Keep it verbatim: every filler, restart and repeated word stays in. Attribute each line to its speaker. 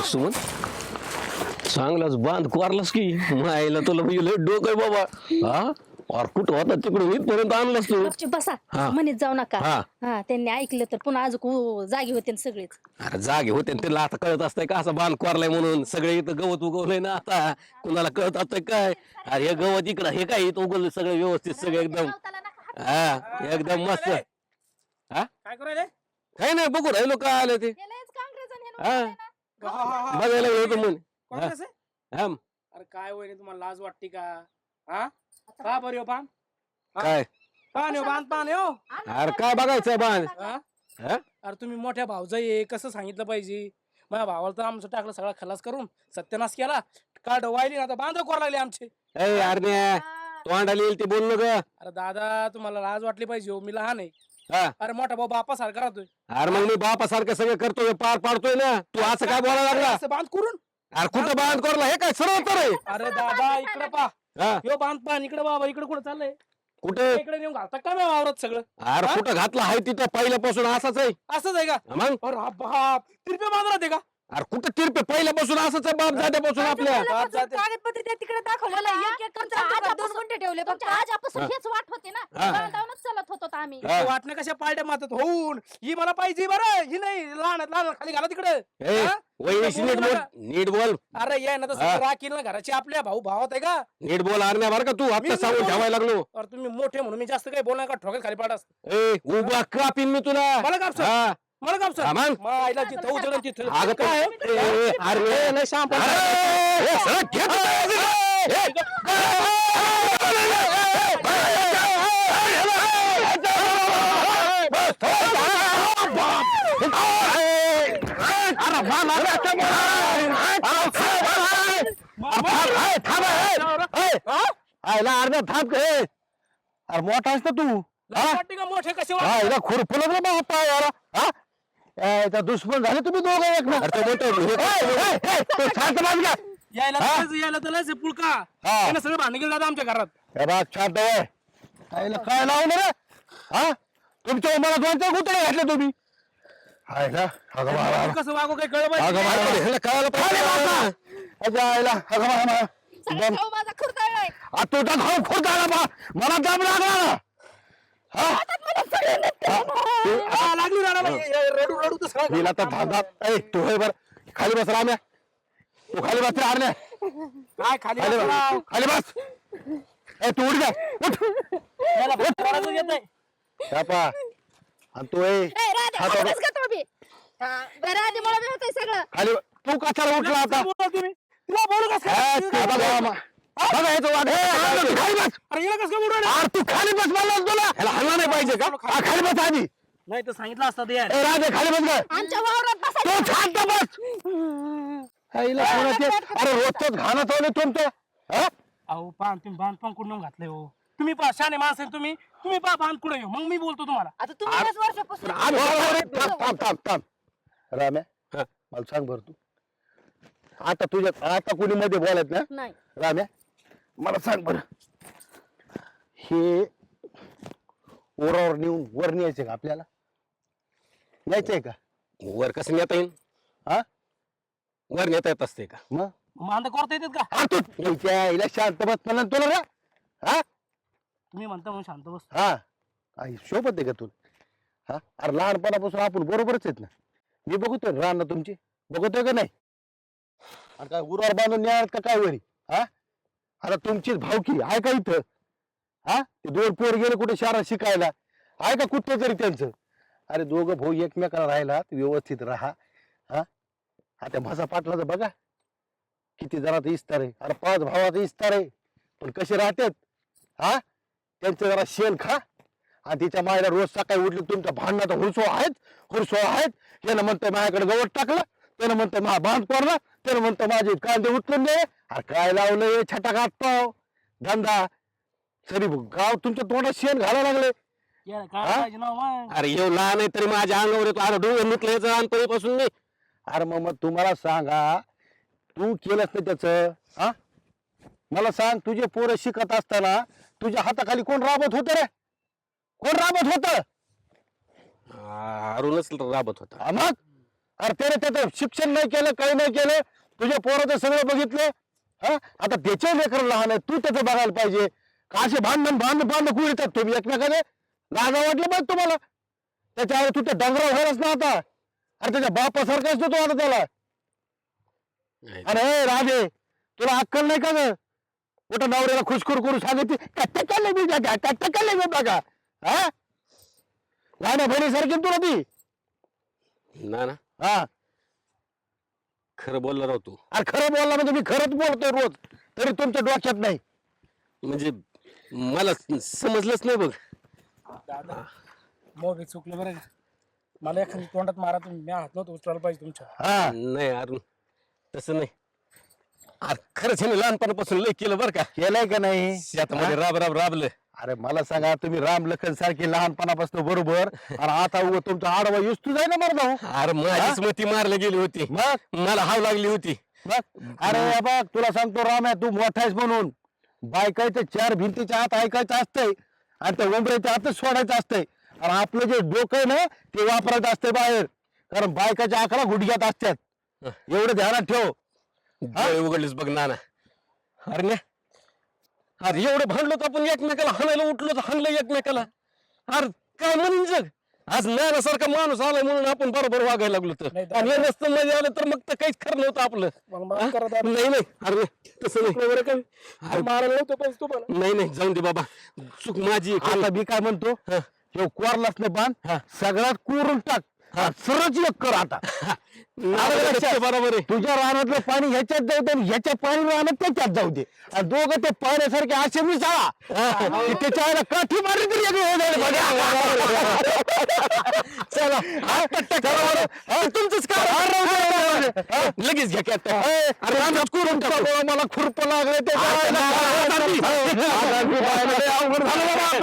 Speaker 1: सुमन चांगलाच बांध कोरलास की मायला तुला म्हणजे लय डोकं आहे बाबा हा और कुठं होता तिकडून इथपर्यंत आणलास तू
Speaker 2: गपचूप बसा
Speaker 1: हा.
Speaker 2: म्हणत जाऊ नका
Speaker 1: हा.
Speaker 2: हा त्यांनी ऐकलं तर पुन्हा अजून जागी होते ना सगळेच.
Speaker 1: अरे जागे होते न त्याला आता कळत असतंय का असं बांध कोरलाय म्हणून सगळे इथं गवत उगवलंय ना आता कुणाला कळत असतंय काय अरे हे गवत इकडं हे काय इथं उगवलं सगळं व्यवस्थित सगळं एकदम हा एकदम मस्त हा
Speaker 3: काय करायले
Speaker 1: काही नाही बघू राहिलो काय आलं ते हा बघायला गेलो होतो म्हणून
Speaker 3: काँग्रेस आहे?
Speaker 1: हा
Speaker 3: अरे काय होय तुम्हाला लाज वाटते का हा का बरं हो पान
Speaker 1: काय
Speaker 3: पान हो बांध पान हो
Speaker 1: अरे काय बघायचंय बांध
Speaker 3: हा?
Speaker 1: हा
Speaker 3: अरे तुम्ही मोठ्या भावजाई आहे कसं सांगितलं पाहिजे माझ्या भावाला तर आमचं टाकलं सगळा खलास करून सत्यानाश केला काढ वाहिली ना आता बांध कोर लागले आमचे
Speaker 1: ए अरे तोंडाला येईल ते बोललो ग
Speaker 3: अरे दादा तुम्हाला लाज वाटली पाहिजे हो मी लहान आहे
Speaker 1: हा
Speaker 3: अरे मोठा भाऊ बापा सारखा राहतोय
Speaker 1: अरे मग मी बापासारखं सगळं करतोय पार पाडतोय ना तू असं काय बोलायला लागला
Speaker 3: असं बांध करून
Speaker 1: अरे कुठं बांध करला हे काय सरळ तर आहे
Speaker 3: अरे दादा इकडे पा
Speaker 1: हा
Speaker 3: यो बांध पान इकडे बाबा इकडे कुठं चाललंय
Speaker 1: कुठे
Speaker 3: इकडे नेऊन घालता का नाही वावरत सगळं
Speaker 1: अरे कुठं घातला आहे तिथं पहिल्यापासून असाच आहे
Speaker 3: असंच आहे का
Speaker 1: मग
Speaker 3: अरे हा बाप तिरपे बांध राहते का
Speaker 1: अरे कुठं तिरपे पहिल्यापासून असंच आहे बाप जात्यापासून आपल्या
Speaker 3: बाप जाते.
Speaker 2: कागदपत्र त्या तिकडे दाखवलेलं एक एक तुमच्या दोन गुंठे ठेवले फक्त आजपासून हेच वाट होते ना
Speaker 1: हा.
Speaker 2: बांधावूनच चालत होतो आम्ही
Speaker 1: हा.
Speaker 3: वाटणं कशा पालट्या मारतात होऊन ही मला पाहिजे बरं ही नाही लहान लहान खाली घाला तिकडे
Speaker 1: ए वहिनीशी नीट बोल नीट बोल
Speaker 3: अरे ये ना तर
Speaker 1: हा.
Speaker 3: राखील ना घराची आपल्या भाऊ भावात आहे का
Speaker 1: नीट बोल अरे बरं का तू आता
Speaker 3: मी
Speaker 1: सांगून
Speaker 3: बोल-
Speaker 1: ठेवायला लागलो
Speaker 3: अरे तुम्ही मोठे म्हणून मी जास्त काही बोलणार का ठोक्यात खाली पाडास
Speaker 1: ए उभा कापीन मी तुला
Speaker 3: मला कापसं?
Speaker 1: हा.
Speaker 3: मला काम
Speaker 1: हा, मग?
Speaker 3: सर आईला तिथं उचलून तिथं
Speaker 1: अगं
Speaker 3: काय
Speaker 1: ए, ए, अरे
Speaker 3: नाही शाम
Speaker 1: अरे, ए, सरळ घे तू. ए, अरे, मा, मा, मा, मा, अरे, थांब, ए, ए, ए, आयला अर्धा थांब ए. अरे मोठा आहेस ना तू हा
Speaker 3: वाटते का मोठे कसे
Speaker 1: हा
Speaker 3: वाटते?
Speaker 1: याला खुरपुलं ना बाबा पाय याला हा याचा दुश्मन झाले तुम्ही दोघं एक ना अरे तो मोठं हे- ए, ए, ए, तो शांत बस का
Speaker 3: यायला
Speaker 1: हा?
Speaker 3: तलंच- यायला तलंच आहे पुळका
Speaker 1: हा.
Speaker 3: त्यानं सगळं भांडण गेलं दादा आमच्या घरात
Speaker 1: हे बघ शांत आहे आईला काय लावलं रे हा तुमच्या उमरा दोनच्या गुतळे घातले तुम्ही हाय ना अगं बाबा
Speaker 3: कसं वागू काही कळलं
Speaker 1: अगं
Speaker 3: पाहिजे
Speaker 1: बाबा ह्याला कळायला पाहिजे अगं आईला अगं बाबा
Speaker 2: सगळा भाऊ माझा खुरताळलाय
Speaker 1: आ तुझा भाऊ खोट आला बा मला दम लागला ना हा
Speaker 3: हा, लागली रडायला. ए, ए, रडू रडू तर सगळं-
Speaker 1: हिला तर धांदात ए तू हे बर खाली बस राम्या तू खाली बस रे आरण्या
Speaker 3: काय खाली
Speaker 1: खाली
Speaker 3: बसला?
Speaker 1: बस खाली बस ए तू उठ जा उठ
Speaker 3: याला रडायचं येत नाही.
Speaker 1: शापा आणि तू ए हा, तो-
Speaker 2: राधे मला बी होतंय सगळं
Speaker 1: खाली तू कशाला उठला आता
Speaker 3: बोला तुम्ही तिला बोलू कसं
Speaker 1: ए,
Speaker 3: काय?
Speaker 1: ते बघा मा- बघा याचं वाट. ए, आरण्या, तू खाली बस
Speaker 3: अरे हिला कसं काय बोलू राहिला?
Speaker 1: अरे तू खाली बस म्हणलं ना तुला ह्याला हल्ला नाही पाहिजे का हा, खाली बस आधी
Speaker 3: नाही तर सांगितलं असतं ते यार.
Speaker 1: ए राधे खाली बस गं.
Speaker 2: आमच्या वावरात
Speaker 1: तू
Speaker 2: बसायचं
Speaker 1: शांत बस आईला कोणाचे अरे रोजच घाणं चालू तुमचं हा
Speaker 3: अहो पान तुम्ही बांध पण कुठून घातलंय हो तुम्ही पा शाने माणसं आहे तुम्ही तुम्ही पा बांध कुठे मग मी बोलतो तुम्हाला
Speaker 2: आता तुम्ही वीस वर्षापासून
Speaker 1: अरे, अरे, अरे, थांब थांब थांब थांब राम्या मला सांग बरं तू आता तुझ्या आता कुणी मध्ये बोलत ना
Speaker 2: नाही
Speaker 1: राम्या मला सांग बरं हे ओरावर नेऊन वर न्यायचंय का आपल्याला न्यायचंय का वर कसं नेता येईल हा वर नेता येत असते का मग
Speaker 3: बांध करता येतात का
Speaker 1: हा तू तुमच्या आईला शांत बस म्हणलं ना तुला रे हा
Speaker 3: तुम्ही म्हणता म्हणून शांत बस
Speaker 1: हा आई शोभत आहे का तू हा अरे लहानपणापासून आपण बरोबरच आहेत ना मी बघतोय ना रान तुमची बघतोय का नाही अरे काय उरावर बांधून न्यायात का काय वरी हा अरे तुमचीच भावकी आहे का इथं हा ते दोन पोर गेले कुठे शहरात शिकायला आहे का कुठं तरी त्यांचं अरे दोघं भाऊ एकमेकाला राहिला व्यवस्थित राहा हा हा त्या भासा पाटलाचं बघा किती जणांचा इस्तार आहे अरे पाच भावाचा इस्तार आहे पण कसे राहतात हा त्यांचं जरा शेण खा आणि तिच्या मायला रोज सकाळी उठले तुमच्या भांडणाचा हुरसो आहेत हुरसो आहेत यानं म्हणतंय माझ्याकडे गवत टाकलं त्यानं म्हणतंय माझा बांध पडला त्यानं म्हणतंय माझे कांदे उचलून दे अरे काय लावलंय छटाक हात पाव धंदा सरी गाव तुमच्या तोंडात शेण घालायला लागले
Speaker 3: यार काय
Speaker 1: हा?
Speaker 3: पाहिजे ना मग
Speaker 1: अरे येऊ लहान आहे तरी माझ्या अंगावर येतो अरे डोंगर नुकलं याचं लहानपणीपासून नाही अरे मग मग तुम्हाला सांगा तू केलंस ना त्याचं हा मला सांग तुझे पोरं शिकत असताना तुझ्या हाताखाली कोण राबत होत रे कोण राबत होत अरुणच राबत होता मग अरे त्याने त्याचं शिक्षण नाही केलं काही नाही केलं तुझ्या पोराचं सगळं बघितलं हा आता त्याचे लेकर लहान आहे तू त्याचं बघायला पाहिजे का असे भांडण भांडण भांडण कुठे येतात तुम्ही एकमेकाने लाजा वाटलं पाहिजे तुम्हाला त्याच्या आधी तू त्या डंगरावर व्हायलाच ना आता अरे त्याच्या बापासारखा असतो तो आता त्याला अरे ए, राधे तुला अक्कल नाही का ग मोठ्या नवऱ्याला खुशखुर करू सांगितली कट्ट केलं मी बघा कट्ट केलं मी बघा हा लहान बहिणीसारखी ना तुला ती
Speaker 4: ना ना
Speaker 1: हा
Speaker 4: खरं बोलला राव तू
Speaker 1: अरे खरं बोलला म्हणजे मी खरंच बोलतोय रोज तरी तुमच्या डोक्यात नाही
Speaker 4: म्हणजे मला समजलंच नाही बघ
Speaker 3: दादा मग चुकलं बरं का मला एखादी तोंडात मारा तुम्ही मी हात नव्हतं उचलायला पाहिजे तुमच्या
Speaker 1: हा
Speaker 4: नाही अरुण तसं नाही अरे खरंच ह्याने लहानपणापासून लय केलं बरं का
Speaker 1: केलंय का नाही
Speaker 4: शेतामध्ये राब राब राबलं
Speaker 1: अरे मला सांगा तुम्ही राम लखन सारखे लहानपणापासून बरोबर आणि आता उगं तुमचा आडवा युस्तू जाय ना मरदा हो
Speaker 4: अरे माझीच मती मारली गेली होती
Speaker 1: मग
Speaker 4: मला हाव लागली होती
Speaker 1: मग अरे बघ तुला सांगतो राम आहे तू मोठा आहेस म्हणून बायकायचं चार भिंतीच्या आत ऐकायचं असतंय आणि त्या उंबऱ्याच्या आतच सोडायचं असतंय आणि आपलं जे डोकं आहे ना ते वापरायचं असतंय बाहेर कारण बायकाच्या आकडा गुडघ्यात असतात एवढं ध्यानात ठेव
Speaker 4: डोळे उघडलेच बघ नाना अरे ना अरे एवढं भांडलो तर आपण एकमेकाला हाणायला उठलो तर हाणलं एकमेकाला अरे काय म्हणून जग आज नानासारखा माणूस आलाय म्हणून आपण बरोबर वागायला लागलो तर
Speaker 3: नाही,
Speaker 4: आणि हे नसतं मध्ये आलं तर मग तर काहीच खरं नव्हतं आपलं
Speaker 3: मग माफ करा दादा.
Speaker 4: नाही नाही अरे नाही, तसं नाही
Speaker 3: बरं काय अरे मारायला नव्हतं पाहिजे तुम्हाला
Speaker 4: नाही नाही जाऊन दे बाबा चूक माझी आहे.
Speaker 1: आता मी काय म्हणतो
Speaker 4: हा.
Speaker 1: हे कोरलाच नाही बांध सगळ्यात कोरून टाक सरच एक कर आता
Speaker 4: नाना लक्षात बरोबर आहे
Speaker 1: तुझ्या रानातलं पाणी ह्याच्यात जाऊ दे आणि ह्याच्या पाणी रानात त्याच्यात जाऊ दे आणि दोघं ते पाण्यासारखे असे मिसाळा की त्याच्या आईला काठी मारली तरी एक वेळ जाईल बघा. चला हा, चला बरं. हा, तुमचंच काय हा, राहू दे, राहू दे. हा,
Speaker 4: लगेच घ्या कॅट
Speaker 1: ए, अरे रानात कुरून टाकू मला खुरप लागले ते अवघड झालं बाबा.